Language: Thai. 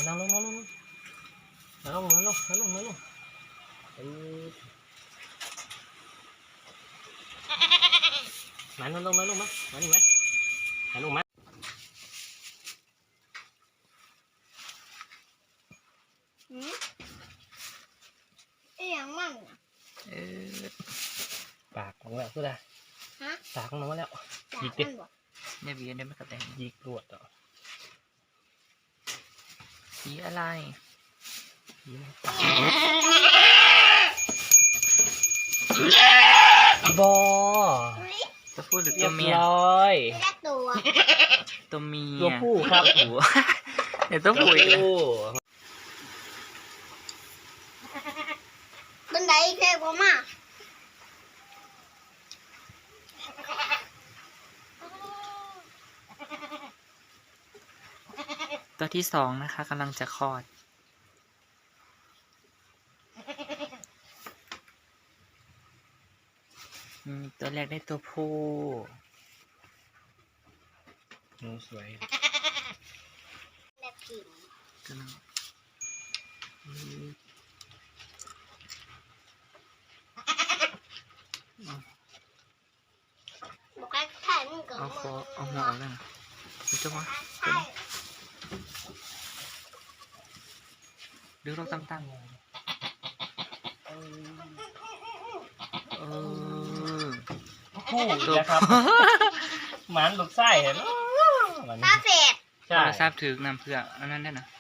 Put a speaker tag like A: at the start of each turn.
A: นั่งลงนั่งลงนั่งลงนั่งลงนั่งลงนั่งลงมานั่งลงนั่งลงมามานี่ไหมนั่งลงมา
B: อย่างมั่ง
A: ปากของเราคืออะไรปากของน้องแล้วยิกดิ
C: เนี่ยวีเนี่ยไม่กระแตง
A: ยิกรวดอ่ะ
C: สีอะไร
A: บอ
C: ตัวผู้หรือตัวเมียตัวเมีย
A: ตัวผู้ครับ
C: เดี๋ยวตัวผู้อีกแล้ว
B: บันไดแค่ประมาณ
C: ตัวที่สองนะคะกำลังจะคลอดตัวแรกได้ตัวผู้
A: สวย
B: แบบผิว
C: กำลัง
B: บอกให้ถ่ายมึงกับมึง
C: เอาหัวออกแล้วนะมันจะวะดูเราตั้งๆ
A: ผู้นะครับหมันลูกไส้เห็น
B: ตาเฟด
C: ใช่ทราบถึงนำเพื่ออันนั้นได้นะ